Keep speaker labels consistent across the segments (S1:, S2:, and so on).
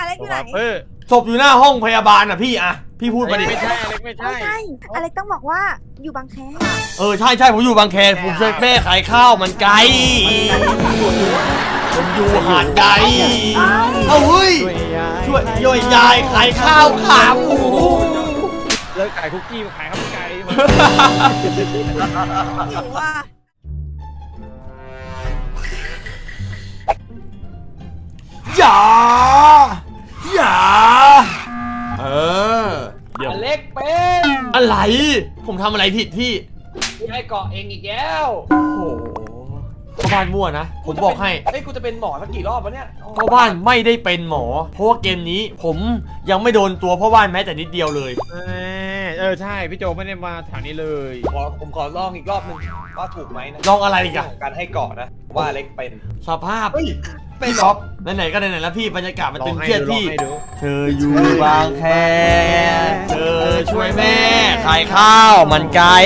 S1: เล็กอยู่ไหน
S2: ศพอยู่หน้าห้องพยาบาลอ่ะพี่อะพี่พูดมาดิ
S3: ไม่ใช่อเล็กไม่ใช่
S1: อเล็กต้องบอกว่าอยู่บางแค
S2: ใช่ผมอยู่บางแคผมช่วยแม่ขายข้าวมันไก่ผมอยู่หาดใหญ่เฮ้ยช่วยย่อยยายขายข้าวขาหมู
S3: เลิกขายคุกกี้มาขายข้าวมันไก่
S1: อยู่ว่า
S2: อย่า
S3: เดี๋ยวเล็กเป็น
S2: อะไรผมทำอะไรผิดพี่
S3: ให้เกาะเองอีกแล้ว
S2: โอ้โหพ่อบ้านมั่วนะผมบอกให้
S3: กูจะเป็นหมอสักกี่รอบวะเนี่ย
S2: พ่อบ้านไม่ได้เป็นหมอเพราะว่าเกมนี้ผมยังไม่โดนตัวพ่อบ้านแม้แต่นิดเดียวเลย
S3: ใช่พี่โจไม่ได้มาแถวนี้เลยผมขอลองอีกรอบนึงว่าถูกไหมนะ
S2: ลองอะไรกัน
S3: การให้เกาะนะว่าเล็กเป็น
S2: สภาพพี่ท็อปไหนๆก็ไหนๆแล้วพี่บรรยากาศมันตึงเครียดพี่เธออยู่บางแคเธอช่วยแม่ขายข้าวมันไก่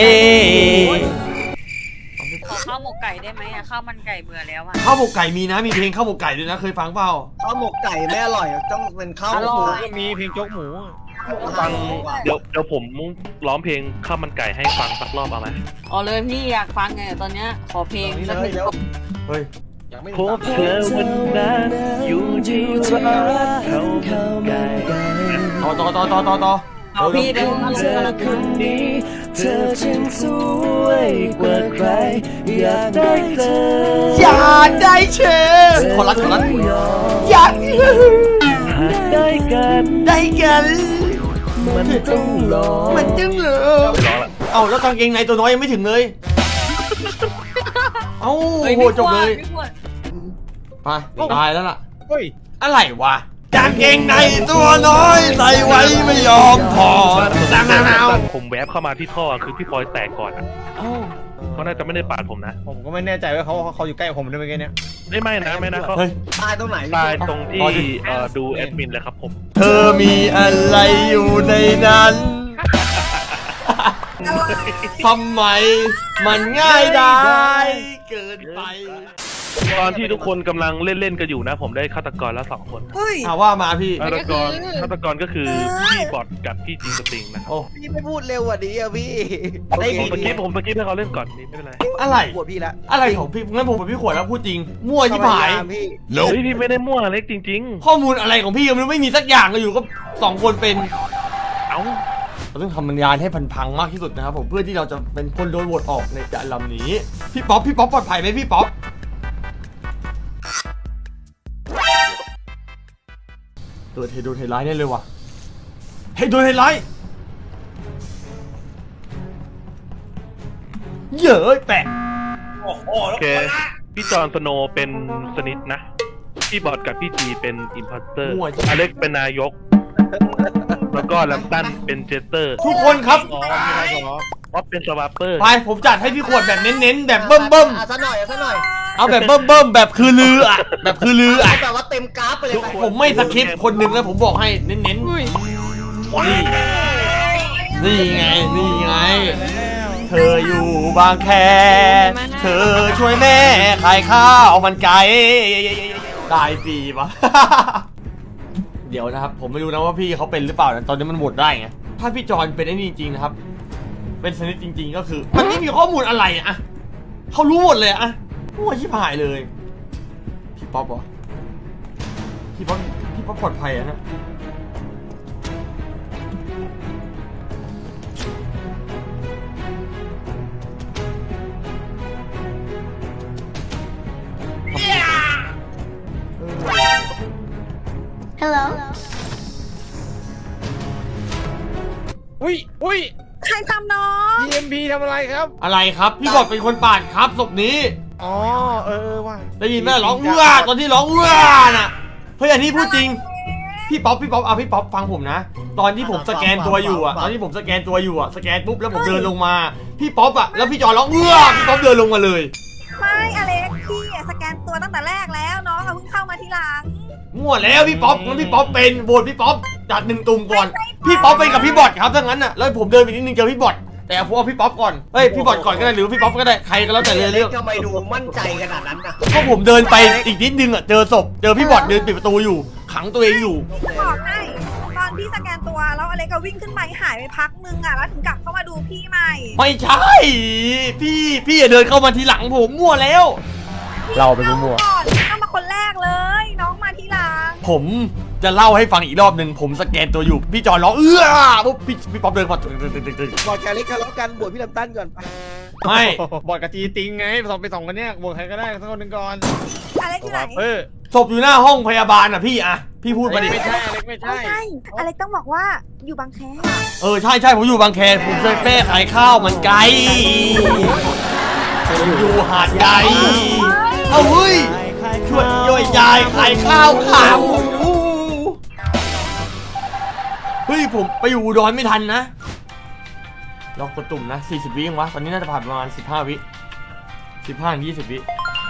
S4: ขอข้าวหมกไก่ได้ไหมอะข้าวมันไก่เบื่อแล้วอะ
S2: ข้าวหมกไก่มีนะมีเพลงข้าวหมกไก่ด้วยนะเคยฟังเปล่า
S5: ข้าวหมกไก่ไม่อร่อยต้องเป็นข้าวหมู
S3: ก็มีเพลงโจ๊กหมู
S6: ฟังเดี๋ยวผมร้องเพลงข้าวมันไก่ให้ฟังสักรอบเอาไหม
S4: อ๋อเลยพี่อยากฟังไงตอนเนี้ยขอเพลงสักหนึ่ง
S2: เฮ้ย
S6: พบเธอวันนั้นอยู่ที่ร้านข้าวมันไก่
S2: ต่อ
S4: เอาพี่เดินมาเล
S6: เธอย คนนี้เธอช่างสวยกว่าใครอยากได้เธอ
S2: อยากได้เธอขอรัดอยาก
S6: หากได้กัน
S2: มัน
S6: ต้องรอ
S2: เอาแล้วกางเกงในตัวน้อยยังไม่ถึงเลยโอ้โหจบเลยไปตายแล้วล่ะอะไรวะกางเกงในตัวน้อยใส่ไว้ไม่ยอมถอด
S6: ผมแวบเข้ามาที่ท่อคือพี่พลอยแตกก่อนอ่ะเขาน่าจะไม่ได้ปาดผมนะ
S3: ผมก็ไม่แน่ใจว่าเขาอยู่ใกล้ผมด้วยเมื่อกี้เนี้ย
S6: ไม่นะเขา
S5: ตายตรงไหน
S6: ตายตรงที่ดูแอดมินเลยครับผม
S2: เธอมีอะไรอยู่ในนั้นทำไมมันง่ายได้เกินไป
S6: ตอนที่ทุกคนกำลังเล่นกันอยู่นะผมได้ฆาตกรแล้ว2 คน
S2: ว่ามาพี่
S6: ฆาตกรก็คือพี่บอทกับพี่จิงสติงนะครับ
S5: พี่ไม่พูดเร็วกว่านี้อ่ะพี่
S6: ได้ผมเมื่อกี้ให้เขาเล่นก่อนนี่ไม่เป็นไร
S2: อะไร
S5: ปวดพี่ละ
S2: อะไรของพี่งั้นผมกับพี่ขวดแล้วพูดจริงมั่วชิบหาย
S6: พี่ไม่ได้มั่วเล็กจริง
S2: ๆข้อมูลอะไรของพี่มันไม่มีสักอย่างเลยอยู่ก็2 คนเป็นเราต้องทำบรรยายให้พังมากที่สุดนะครับผมเพื่อที่เราจะเป็นคนโดนโหวตออกในการลำนี้พี่ป๊อปปลอดภัยไหมพี่ป๊อปโดนเฮดไลท์แน่เลยว่ะโดนเฮดไลท์เยอะแปะ
S6: โอเคพี่จอห์นสโนว์เป็นสนิทนะพี่บอทกับพี่จีเป็นอิมพัสเตอร์อเล็กเป็นนายกแล้วก็ลัมตันเป็นเจสเตอร์
S2: ทุกคนครับ
S6: ว่าเป็นสวาปเปอร์
S2: ไปผมจัดให้พี่ขวดแบบเน้นๆแบบเบิ่ม
S5: ซะหน่อย
S2: เอาแบบเบิ่มแบบคือลืออ่ะแบบ
S5: ว่าเต็มกราฟไปเลย
S2: ผมไม่สคริปต์คนหนึ่งแล้วผมบอกให้เน้นนี่ไงเธออยู่บางแคเธอช่วยแม่ขายข้าวมันไก่ตายฟรีปะเดี๋ยวนะครับผมไม่รู้นะว่าพี่เขาเป็นหรือเปล่าตอนนี้มันโหวตได้ไงถ้าพี่จอนเป็นไอ้นี่จริงๆนะครับเป็นสนิทจริงๆก็คือมันไม่มีข้อมูลอะไรอะเขารู้หมดเลยอะมั่วชิบหายเลยพี่ป๊อปเหรอพี่ป๊อปปลอดภัยอะนะ
S1: ฮัลโหล
S3: อุ้ย
S1: ใครทำน้อง
S3: EMP ทำอะไรครับ
S2: อะไรครับพี่บอดเป็นคนปาดครับศพนี้
S3: ว่า
S2: ได้ยินไหมร้องตอนที่ร้องน่ะเฮ้ยอันนี้พูดจริงพี่ป๊อปพี่ป๊อปฟังผมนะตอนที่ผมสแกนตัวอยู่อะสแกนปุ๊บแล้วผมเดินลงมาพี่ป๊อปอะแล้วพี่จอร้องพี่ป๊อปเดินลงมาเลย
S1: ไม่อเล็กพี่สแกนตัวตั้งแต่แรกแล้วน้องเพิ่งเข้ามาทีหลัง
S2: มั่วแล้วพี่ป๊อปงั้นพี่ป๊อปเป็นโหวตพี่ป๊อปจัด1 ตุ่มก่อนพี่ป๊อปเป็นกับพี่บอทครับถ้างั้นน่ะแล้วผมเดินไปนิดนึงเจอพี่บอทแต่เอาพวกพี่ป๊อปก่อนเฮ้ยพี่บอดก่อนก็ได้หรือพี่ป๊อปก็ได้ใครก็แล้วแต่เลยเรื่อง
S5: ทำไมดูมั่นใจขนาดนั้นนะ
S2: ก็ผมเดินไปอีกนิดนึงอ่ะเจอศพเจอพี่บอดเดินปิดประตูอยู่ขังตัวเองอยู่
S1: จะบอกให้ตอนพี่สแกนตัวแล้วอเล็กก็วิ่งขึ้นไปหายไปพักนึงอ่ะแล้วถึงกลับเข้ามาดูพี่ใหม่
S2: ไม่ใช่พี่อย่าเดินเข้ามาทีหลังผมมั่วแล้ว
S3: เราไปมั่ว
S1: ก่อนเข้ามาคนแรกเลย น้องมาทีหลัง
S2: ผมจะเล่าให้ฟังอีกรอบหนึ่งผมสแกนตัวอยู่พี่จอนร้องปุ๊บพี่ป๊อปเดินมาตึง
S5: บอกแกเล็กทะเลาะกันบวชพี่ลำตั้นก่อนไป
S2: ไม่
S3: บอดกับจีติงไงไปสองคนเนี้ยบวกใครก็ได้สักคนหนึ่งก่อน
S1: อเล็กอยู่ไหน
S2: ศพอยู่หน้าห้องพยาบาลอ่ะพี่อะพี่พูดมาดิ
S3: ไม่ใช่อเล็กไม่
S1: ไม่
S3: ใช่
S1: ใช่อเล็กต้องบอกว่าอยู่บางแค
S2: ใช่ผมอยู่บางแคผมจะแม่ขายข้าวมันไก่ผมอยู่หาดใหญ่เอ้าเฮ้ยช่วยย่อยยายขายข้าวขาหมูเฮ้ยผมไปอยู่อุดรไม่ทันนะล็อกกดตุ่มนะ40 วิเองวะตอนนี้น่าจะผ่านประมาณ15 วิ15-20 วิ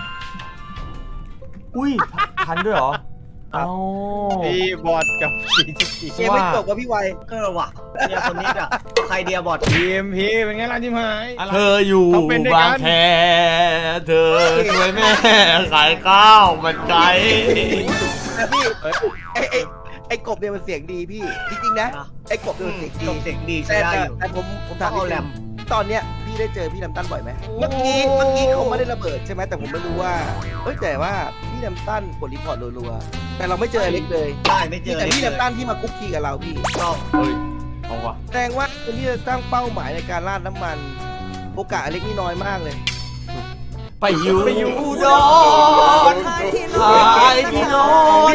S2: อุ้ยทันด้วยเหรอเอา
S3: พี่บอดกับจีติ
S5: เกมไม่จบกับพี่ไวว่ะเนี่ยคนนี้อ่ะใครเดียบอด
S3: ทีมพี่เป็นไงล่ะทีมหาย
S2: เธออยู่บางแคเธอช่วยแม่ขายข้าวมันไก่
S5: นะพี่ไอ้กบเนี่ยมันเสียงดีพี่จริงๆนะไอ้กบเนี่ยมันเสียงดีใช่ได้อยู่แต่ผมถามพี่แรมตอนเนี้ยพี่ได้เจอพี่ลำตั้นบ่อยไหมเมื่อกี้เขาไม่ได้ระเบิดใช่ไหมแต่ผมไม่รู้ว่าแต่ว่าพี่ลำตั้นกดรีพอร์ตรัวๆแต่เราไม่เจออเล็กเลยใช่ไม่เจอแต่พี่ลำตั้นที่มาคุกคีกับเราพี่
S2: เฮ้ยเอาวะ
S5: แสดงว่าคนที่จะตั้งเป้าหมายในการราดน้ำมันโอกาสอเล็กนี่น้อยมากเลย
S2: ไปอยู่อุดรขายที่โน้น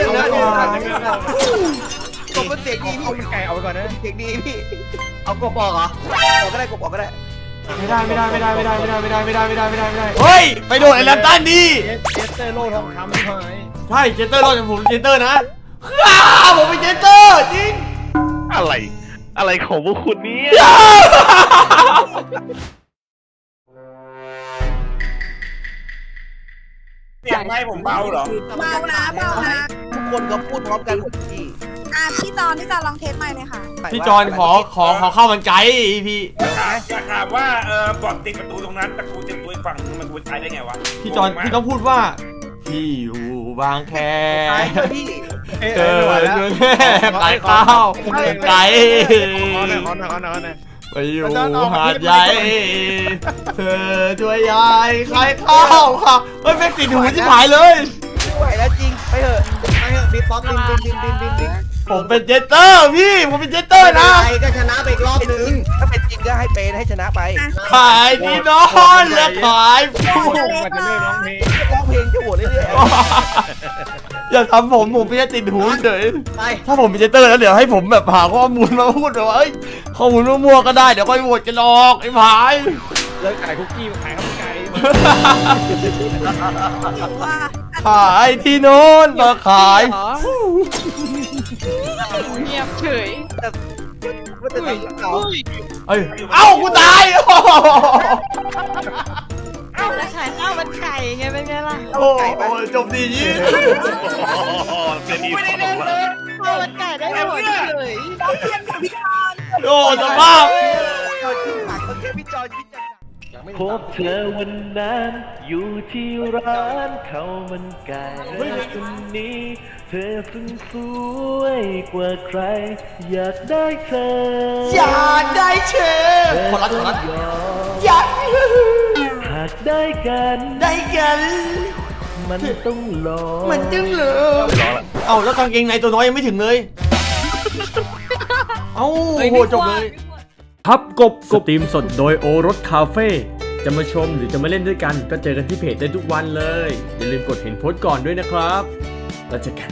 S5: กบมันเสียงดีพี่
S3: เอาไก่เอาไปก่อนนะ
S5: เสียงดีพี่เอากบบอกเหรอกบก็ได้กบบอกก็ได้
S2: ไม่ได้เฮ้ยไปโดนไอ้แลมตันดิ
S3: เจสเตอร์โลทองคำทีมหาย
S2: ใช่เจเตอร์รอดผมเจเตอร์นะผมเป็นเจเตอร์จริง
S6: อะไรของพวกคุณเนี่ย
S7: เสียงไม้ผมเบาเหรอ
S1: เบานะ
S5: ทุกคนก็พูดพร้อมกันหมดพี่
S1: พี่จอนลองเทสใหม่เลยค่ะ
S2: พี่จอนขอข้าวมันไก่พี่
S7: อยากถามว่าบอดติดประตูตรงนั้นแต่กูเต็มตัวอีกฝั่งนึงมันกูใช้ได้ไงวะ
S2: พี่จอนพี่ต้องพูดว่าพี่อยู่บางแค
S5: พี่
S2: เจอขายข้าวมันไก่
S3: ขอหน่อย
S2: ไปอยู่หาดใหญ่เธอช่วยยายขายข้าวค่ะเฮ้ยแม่งติดหูที่หายเลย
S5: ไม่ไหวแล้วจริงไปเถอะบิ๊กป๊อกดิน
S2: ผมเป็นเจเตอร์พี่ผมเป็นเจเตอร์นะ
S5: ใครก็ชนะไปอีกรอบนึงถ้าเป็นจริงก็ให้เป็นให้ชนะไป
S2: ขายที่นอนและขายผู้
S3: มันจะเลิกร้องเพลง
S5: ร้องเพลงจะโหวตเรื่อย
S2: อย่าทำผมไม่ได้ติดหูเฉย
S5: ๆไป
S2: ถ้าผมเป็นเจเตอร์แล้วเดี๋ยวให้ผมแบบหาข้อมูลมาพูดแบบว่าเอ้ยข้อมูลมั่วๆก็ได้เดี๋ยวค่อยโหวตกันหรอกไอ้ผาย
S3: เลิกขายคุกกี้มาขายข้าวมันไก่
S1: ว่า
S2: ขายที่นอนมาขาย
S4: เงียบเฉย
S5: ว่าจะทำเขา
S2: เอ้ยเอ้ากูตาย
S4: แล้วขายข้าวมันไก่ไงเป็นไงล่ะ
S2: โอ้ยจบดียี่
S6: เป็นอีกฝั่งละ
S4: ข้าวมันไก่ได้หมดเลย
S1: ต้องเทียมกับพี่จอน
S2: โอ้สภาพ
S5: พี่จอย
S6: พบเธอวันนั้นอยู่ที่ร้านข้าวมันไก่คนนี้เธอซึ่งสวยกว่าใคร อยากได้เธอ
S2: อยากได้เชฟคนรักอยาก
S6: หากได้กัน
S2: ได้กัน
S6: มันต้องรอ
S2: มันจึงเหรอเอ้าแล้วกางเกงในตัวน้อยยังไม่ถึงเลย เอ้าโอ้โหจบเลย
S8: พับกบสตรีมสดโดยโอรสคาเฟ่จะมาชมหรือจะมาเล่นด้วยกันก็เจอกันที่เพจได้ทุกวันเลย อย่าลืมกดเห็นโพสต์ก่อนด้วยนะครับแล้วเจอกัน